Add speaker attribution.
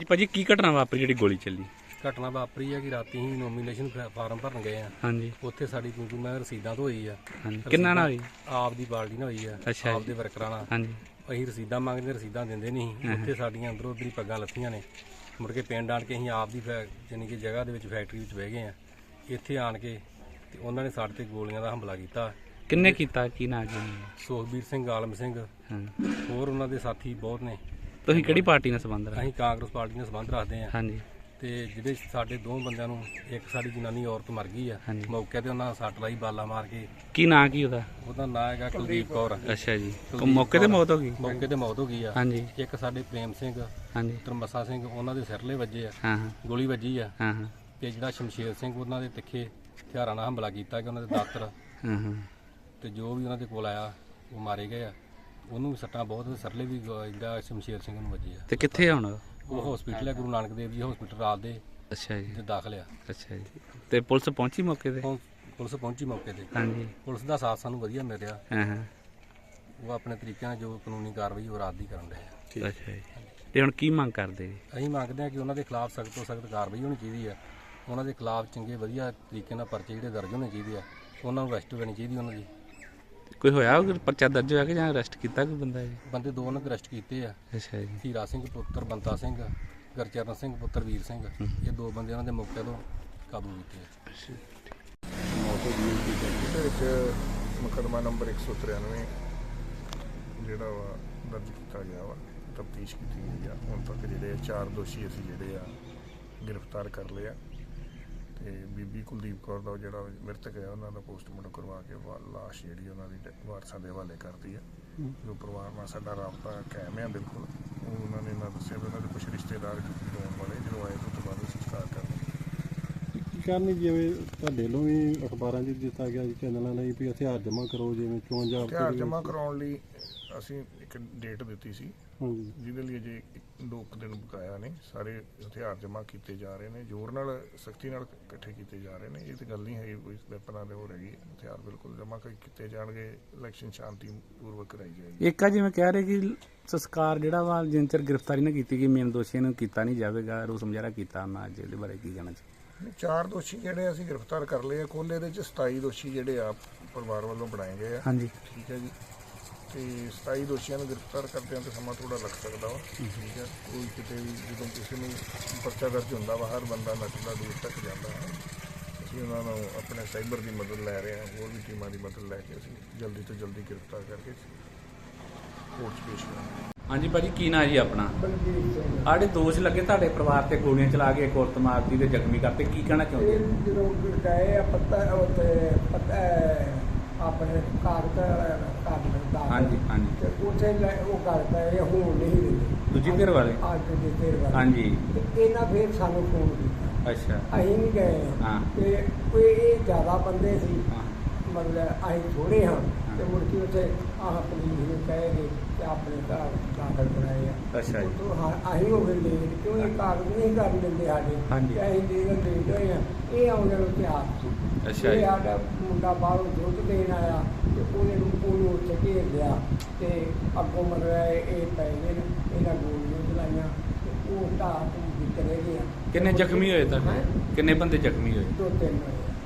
Speaker 1: ਭਾਜੀ ਕੀ ਘਟਨਾ ਵਾਪਰੀ ਜਿਹੜੀ ਗੋਲੀ ਚੱਲੀ?
Speaker 2: ਘਟਨਾ ਵਾਪਰੀ ਹੈ ਕਿ ਰਾਤੀ ਹੀ ਨੋਮੀਨੇਸ਼ਨ ਫਾਰਮ ਭਰਨ ਗਏ ਆ।
Speaker 1: ਹਾਂਜੀ।
Speaker 2: ਉੱਥੇ ਸਾਡੀ ਕਿਉਂਕਿ ਮੈਂ ਰਸੀਦਾਂ ਤੋਂ ਹੋਈ ਆ।
Speaker 1: ਹਾਂਜੀ। ਕਿੰਨਾ ਨਾਲ ਹੋਈ?
Speaker 2: ਆਪ ਦੀ ਬਾਲਟੀ ਨਾਲ ਹੋਈ ਆ।
Speaker 1: ਅੱਛਾ
Speaker 2: ਆਪ ਦੇ ਵਰਕਰਾਂ ਨਾਲ।
Speaker 1: ਹਾਂਜੀ।
Speaker 2: ਅਸੀਂ ਰਸੀਦਾਂ ਮੰਗਦੇ, ਰਸੀਦਾਂ ਦਿੰਦੇ ਨਹੀਂ। ਉੱਥੇ ਸਾਡੀਆਂ ਅੰਦਰੋਂ ਉੱਧਰ ਹੀ ਪੱਗਾਂ ਲੱਥੀਆਂ ਨੇ। ਮੁੜ ਕੇ ਪਿੰਡ ਆਣ ਕੇ ਅਸੀਂ ਆਪ ਦੀ ਯਾਨੀ ਕਿ ਜਗ੍ਹਾ ਦੇ ਵਿੱਚ ਫੈਕਟਰੀ ਵਿੱਚ ਬਹਿ ਗਏ ਆ। ਇੱਥੇ ਆਣ ਕੇ ਤੇ ਉਹਨਾਂ ਨੇ ਸਾਡੇ ਤੇ ਗੋਲੀਆਂ ਦਾ ਹਮਲਾ ਕੀਤਾ।
Speaker 1: ਕਿੰਨੇ ਕੀਤਾ? ਕੀ ਨਾਂ ਜੀ?
Speaker 2: ਸੁਖਬੀਰ ਸਿੰਘ, ਆਲਮ ਸਿੰਘ, ਹੋਰ ਉਹਨਾਂ ਦੇ ਸਾਥੀ ਬਹੁਤ ਨੇ।
Speaker 1: ਤੁਸੀਂ ਕਿਹੜੀ ਪਾਰਟੀ ਨਾਲ ਸੰਬੰਧ ਰੱਖਦੇ?
Speaker 2: ਅਸੀਂ ਕਾਂਗਰਸ ਪਾਰਟੀ ਨਾਲ ਸੰਬੰਧ ਰੱਖਦੇ ਆ।
Speaker 1: ਹਾਂਜੀ।
Speaker 2: ਤੇ ਜਿਹੜੇ ਸਾਡੇ ਦੋ ਬੰਦਿਆਂ ਨੂੰ, ਇੱਕ ਸਾਡੀ ਜਨਾਨੀ ਔਰਤ ਮਰ ਗਈ ਆ ਮੌਕੇ ਤੇ, ਉਹਨਾਂ ਸੱਟ ਲਾਈ ਬਾਲਾ ਮਾਰ ਕੇ।
Speaker 1: ਕੀ ਨਾਂ ਕੀ ਉਹਦਾ?
Speaker 2: ਉਹਦਾ ਨਾਂ ਹੈਗਾ ਕੁਲਦੀਪ ਕੌਰ।
Speaker 1: ਅੱਛਾ ਜੀ। ਮੌਕੇ ਤੇ ਮੌਤ ਹੋ ਗਈ?
Speaker 2: ਮੌਕੇ ਤੇ ਮੌਤ ਹੋ ਗਈ ਆ।
Speaker 1: ਹਾਂਜੀ।
Speaker 2: ਇੱਕ ਸਾਡੇ ਪ੍ਰੇਮ ਸਿੰਘ,
Speaker 1: ਹਾਂਜੀ,
Speaker 2: ਤਰਮਸਾ ਸਿੰਘ, ਉਹਨਾਂ ਦੇ ਸਿਰਲੇ ਵੱਜੇ ਆ।
Speaker 1: ਹਾਂ ਹਾਂ,
Speaker 2: ਗੋਲੀ ਵੱਜੀ ਆ।
Speaker 1: ਹਾਂ ਹਾਂ।
Speaker 2: ਤੇ ਜਿਹੜਾ ਸ਼ਮਸ਼ੇਰ ਸਿੰਘ, ਉਹਨਾਂ ਦੇ ਤਿੱਖੇ ਹਥਿਆਰਾਂ ਨਾਲ ਹਮਲਾ ਕੀਤਾ ਕਿ ਉਹਨਾਂ ਦੇ ਦਾਤਰ
Speaker 1: ਹਾਂ ਹਾਂ।
Speaker 2: ਤੇ ਜੋ ਵੀ ਉਹਨਾਂ ਦੇ ਕੋਲ ਆਇਆ ਉਹ ਮਾਰੇ ਗਏ ਆ। ਉਹਨੂੰ ਵੀ ਸੱਟਾਂ ਬਹੁਤ, ਸਿਰਲੇ ਵੀ ਜਿਹੜਾ ਸ਼ਮਸ਼ੇਰ ਸਿੰਘ ਨੂੰ ਵੱਜੇ ਆ।
Speaker 1: ਤੇ ਕਿੱਥੇ ਹੁਣ?
Speaker 2: ਉਹ ਹਸਪੀਟਲ ਹੈ, ਗੁਰੂ ਨਾਨਕ ਦੇਵ ਜੀ ਹਸਪੀਟਲ ਰਾਤ ਦੇ।
Speaker 1: ਅੱਛਾ ਜੀ।
Speaker 2: ਤੇ ਦਾਖਲ ਆ।
Speaker 1: ਅੱਛਾ ਜੀ। ਤੇ ਪੁਲਿਸ ਪਹੁੰਚੀ ਮੌਕੇ ਤੇ?
Speaker 2: ਪੁਲਿਸ ਪਹੁੰਚੀ ਮੌਕੇ ਤੇ।
Speaker 1: ਹਾਂਜੀ।
Speaker 2: ਪੁਲਿਸ ਦਾ ਸਾਥ ਸਾਨੂੰ ਵਧੀਆ ਮਿਲ ਰਿਹਾ।
Speaker 1: ਹਾਂ ਹਾਂ।
Speaker 2: ਉਹ ਆਪਣੇ ਤਰੀਕੇ ਨਾਲ ਜੋ ਕਾਨੂੰਨੀ ਕਾਰਵਾਈ ਉਹ ਰਾਤ ਦੀ ਕਰਨ ਰਹੇ ਆ।
Speaker 1: ਅੱਛਾ ਜੀ। ਤੇ ਹੁਣ ਕੀ ਮੰਗ ਕਰਦੇ ਜੀ?
Speaker 2: ਅਸੀਂ ਮੰਗਦੇ ਹਾਂ ਕਿ ਉਹਨਾਂ ਦੇ ਖਿਲਾਫ ਸਖਤ ਤੋਂ ਸਖਤ ਕਾਰਵਾਈ ਹੋਣੀ ਚਾਹੀਦੀ ਆ। ਉਹਨਾਂ ਦੇ ਖਿਲਾਫ ਚੰਗੇ ਵਧੀਆ ਤਰੀਕੇ ਨਾਲ ਪਰਚੇ ਜਿਹੜੇ ਦਰਜ ਹੋਣੇ ਚਾਹੀਦੇ ਆ। ਉਹਨਾਂ ਨੂੰ ਅਰੈਸਟ ਕਰਨੀ ਚਾਹੀਦੀ ਉਹਨਾਂ ਦੀ।
Speaker 1: ਕੋਈ ਹੋਇਆ ਪਰਚਾ ਦਰਜ ਹੋਇਆ ਕਿ ਜਾਂ ਅਰੈਸਟ ਕੀਤਾ ਕੋਈ ਬੰਦਾ ਜੀ?
Speaker 2: ਬੰਦੇ ਦੋ ਉਹਨਾਂ ਦੇ ਅਰੈਸਟ ਕੀਤੇ ਆ।
Speaker 1: ਅੱਛਾ ਜੀ।
Speaker 2: ਹੀਰਾ ਸਿੰਘ ਪੁੱਤਰ ਬੰਤਾ ਸਿੰਘ, ਗੁਰਚਰਨ ਸਿੰਘ ਪੁੱਤਰ ਵੀਰ ਸਿੰਘ, ਇਹ ਦੋ ਬੰਦੇ ਉਹਨਾਂ ਦੇ ਮੌਕੇ ਤੋਂ ਕਾਬੂ ਕੀਤੇ ਆ।
Speaker 3: ਇਹਦੇ ਵਿੱਚ ਮੁਕੱਦਮਾ ਨੰਬਰ 193 ਜਿਹੜਾ ਵਾ ਦਰਜ ਕੀਤਾ ਗਿਆ ਵਾ। ਤਫਤੀਸ਼ ਕੀਤੀ ਗਈ ਆ। ਹੁਣ ਤੱਕ ਜਿਹੜੇ 4 ਦੋਸ਼ੀ ਅਸੀਂ ਜਿਹੜੇ ਆ ਗ੍ਰਿਫਤਾਰ ਕਰ ਲਏ ਆ। ਤੇ ਬੀਬੀ ਕੁਲਦੀਪ ਕੌਰ ਦਾ ਜਿਹੜਾ ਮ੍ਰਿਤਕ ਹੈ, ਉਹਨਾਂ ਦਾ ਪੋਸਟਮਾਰਟਮ ਕਰਵਾ ਕੇ ਲਾਸ਼ ਜਿਹੜੀ ਉਹਨਾਂ ਦੀ ਵਾਰਸਾਂ ਦੇ ਹਵਾਲੇ ਕਰਤੀ ਹੈ। ਜੋ ਪਰਿਵਾਰ ਨਾਲ ਸਾਡਾ ਰਾਬਤਾ ਕਾਇਮ ਹੈ ਬਿਲਕੁਲ। ਉਹ ਉਹਨਾਂ ਨੇ ਨਾ ਦੱਸਿਆ ਵੀ ਉਹਨਾਂ ਦੇ ਕੁਝ ਰਿਸ਼ਤੇਦਾਰ ਆਉਣ ਵਾਲੇ, ਜਦੋਂ ਆਏ ਤੋਂ ਬਾਅਦ ਸੰਸਕਾਰ ਕਰਨਾ।
Speaker 4: ਕੀ ਕਰਨੀ, ਜਿਵੇਂ ਤੁਹਾਡੇ ਵੱਲੋਂ ਵੀ ਅਖਬਾਰਾਂ 'ਚ ਦਿੱਤਾ ਗਿਆ ਚੈਨਲਾਂ ਲਈ ਵੀ ਹਥਿਆਰ ਜਮ੍ਹਾਂ ਕਰੋ, ਜਿਵੇਂ ਚੋਣ ਜਾਬਤੇ
Speaker 3: ਹਥਿਆਰ ਜਮ੍ਹਾਂ ਕਰਾਉਣ ਲਈ ਅਸੀਂ ਇੱਕ ਡੇਟ ਦਿੱਤੀ ਸੀ,
Speaker 4: ਹਾਂਜੀ,
Speaker 3: ਜਿਹਦੇ ਲਈ ਅਜੇ 2 ਦਿਨ ਬਕਾਇਆ ਨੇ। ਸਾਰੇ ਹਥਿਆਰ ਜਮ੍ਹਾਂ ਕੀਤੇ ਜਾ ਰਹੇ ਨੇ, ਜ਼ੋਰ ਨਾਲ, ਸਖਤੀ ਨਾਲ ਇਕੱਠੇ ਕੀਤੇ ਜਾ ਰਹੇ ਨੇ। ਇਹ ਤਾਂ ਗੱਲ ਨਹੀਂ ਹੈ ਕੋਈ ਵੈਪਨਾਂ ਦੇ ਹੋ ਰਹੀ। ਹਥਿਆਰ ਬਿਲਕੁਲ ਜਮ੍ਹਾਂ ਕੀਤੇ ਜਾਣਗੇ। ਇਲੈਕਸ਼ਨ ਸ਼ਾਂਤੀ ਪੂਰਵਕ ਕਰਾਈ ਜਾਏਗੀ।
Speaker 1: ਇੱਕ ਆ ਜਿਵੇਂ ਕਹਿ ਰਹੇ ਕਿ ਸੰਸਕਾਰ ਜਿਹੜਾ ਵਾ ਜਿੰਨ ਚਿਰ ਗ੍ਰਿਫਤਾਰੀ ਨਾ ਕੀਤੀ ਗਈ, ਮੇਨ ਦੋਸ਼ੀਆਂ ਨੂੰ ਕੀਤਾ ਨਹੀਂ ਜਾਵੇਗਾ। ਰੋਸ ਮੁਜ਼ਾਹਰਾ ਕੀਤਾ ਮੈਂ ਅੱਜ, ਇਹਦੇ ਬਾਰੇ ਕੀ ਕਹਿਣਾ ਚਾਹੀਦਾ?
Speaker 3: 4 ਦੋਸ਼ੀ ਜਿਹੜੇ ਅਸੀਂ ਗ੍ਰਿਫਤਾਰ ਕਰ ਲਏ ਆ। ਕੁੱਲ ਇਹਦੇ 'ਚ 27 ਦੋਸ਼ੀ ਜਿਹੜੇ ਆ ਪਰਿਵਾਰ ਵੱਲੋਂ ਬਣਾਏ ਗਏ ਆ।
Speaker 1: ਹਾਂਜੀ।
Speaker 3: ਠੀਕ ਹੈ ਜੀ। ਤੇ 27 ਦੋਸ਼ੀਆਂ ਨੂੰ ਗ੍ਰਿਫਤਾਰ ਕਰਦਿਆਂ ਤੇ ਸਮਾਂ ਥੋੜਾ ਲੱਗ ਸਕਦਾ ਵਾ। ਠੀਕ ਹੈ। ਕੋਈ ਕਿਤੇ ਵੀ ਜਦੋਂ ਕਿਸੇ ਨੂੰ ਪਰਚਾ ਦਰਜ ਹੁੰਦਾ ਵਾ, ਹਰ ਬੰਦਾ ਨੱਠਦਾ ਦੂਰ ਤੱਕ ਜਾਂਦਾ ਹੈ। ਅਸੀਂ ਉਹਨਾਂ ਨੂੰ ਆਪਣੇ ਸਾਈਬਰ ਦੀ ਮਦਦ ਲੈ ਰਹੇ ਹਾਂ, ਹੋਰ ਵੀ ਟੀਮਾਂ ਦੀ ਮਦਦ ਲੈ ਕੇ ਅਸੀਂ ਜਲਦੀ ਤੋਂ ਜਲਦੀ ਗ੍ਰਿਫਤਾਰ ਕਰਕੇ ਕੋਰਟ 'ਚ ਪੇਸ਼ ਕਰਾਂਗੇ।
Speaker 1: ਹਾਂਜੀ ਭਾਜੀ, ਕੀ ਨਾਂ ਜੀ ਆਪਣਾ? ਆੜੇ ਦੋਸ਼ ਲੱਗੇ ਤੁਹਾਡੇ ਪਰਿਵਾਰ ਤੇ ਗੋਲੀਆਂ ਚਲਾ ਕੇ ਇੱਕ ਔਰਤ ਮਾਰਤੀ ਤੇ ਜ਼ਖਮੀ ਕਰਤੇ, ਕੀ ਕਹਿਣਾ ਚਾਹੁੰਦੇ?
Speaker 5: ਜਦੋਂ ਗਏ ਆ ਪਤਾ ਉੱਥੇ ਆਪਣੇ ਕਾਗਜ਼ ਦਾ।
Speaker 1: ਹਾਂਜੀ ਹਾਂਜੀ।
Speaker 5: ਤੇ ਉੱਥੇ ਉਹ ਕਰਦਾ ਇਹ ਹੁਣ ਨਹੀਂ ਦਿੰਦੇ।
Speaker 1: ਦੂਜੀ ਧਿਰ ਵਾਲੇ?
Speaker 5: ਅੱਜ ਦੇ ਧਿਰ ਵਾਲੇ।
Speaker 1: ਹਾਂਜੀ।
Speaker 5: ਤੇ ਇਹਨਾਂ ਫਿਰ ਸਾਨੂੰ ਫੋਨ ਕੀਤਾ।
Speaker 1: ਅੱਛਾ।
Speaker 5: ਅਸੀਂ ਨਹੀਂ ਗਏ।
Speaker 1: ਹਾਂ।
Speaker 5: ਤੇ ਕੋਈ ਇਹ ਜ਼ਿਆਦਾ ਬੰਦੇ ਸੀ,
Speaker 1: ਹਾਂ।
Speaker 5: ਮਤਲਬ ਅਸੀਂ ਥੋੜੇ ਹਾਂ। ਤੇ ਮੁੜ ਕੇ ਉੱਥੇ ਪੁਲਿਸ ਨੂੰ ਕਹਿ ਗਏ ਕਿ ਆਪਣੇ ਘਰ ਦਾਖਲ ਕਰਾਏ ਆ।
Speaker 1: ਅੱਛਾ ਜੀ।
Speaker 5: ਅਸੀਂ ਹੋ ਗਏ ਲੇਟ, ਕਿਉਂ ਇਹ ਕਾਗਜ਼ ਨਹੀਂ ਕਰਨ ਦਿੰਦੇ ਸਾਡੇ।
Speaker 1: ਹਾਂਜੀ।
Speaker 5: ਤੇ ਅਸੀਂ ਲੇਟ ਹੋਏ ਆ। ਇਹ ਆਉਂਦੇ ਨੂੰ ਤਿਆਰ ਸੀ।
Speaker 1: ਅੱਛਾ
Speaker 5: ਇਹ
Speaker 1: ਜੀ।
Speaker 5: ਸਾਡਾ ਮੁੰਡਾ ਬਾਹਰੋਂ ਦੁੱਧ ਦੇਣ ਆਇਆ ਤੇ ਉਹਨੂੰ ਉੱਥੇ ਘੇਰ ਲਿਆ ਤੇ ਅੱਗੋਂ ਮਤਲਬ ਇਹ ਪੈ ਗਏ ਨੇ, ਇਹਨਾਂ ਗੋਲੀਆਂ ਚਲਾਈਆਂ ਤੇ ਉਹ ਢਾਹ ਤੋਂ ਚਲੇ ਗਿਆ।
Speaker 1: ਕਿੰਨੇ ਜ਼ਖਮੀ ਹੋਏ ਤੁਹਾਡੇ?
Speaker 5: ਹੈਂ?
Speaker 1: ਕਿੰਨੇ ਬੰਦੇ ਜ਼ਖਮੀ ਹੋਏ?
Speaker 5: 2-3 ਹੋਏ।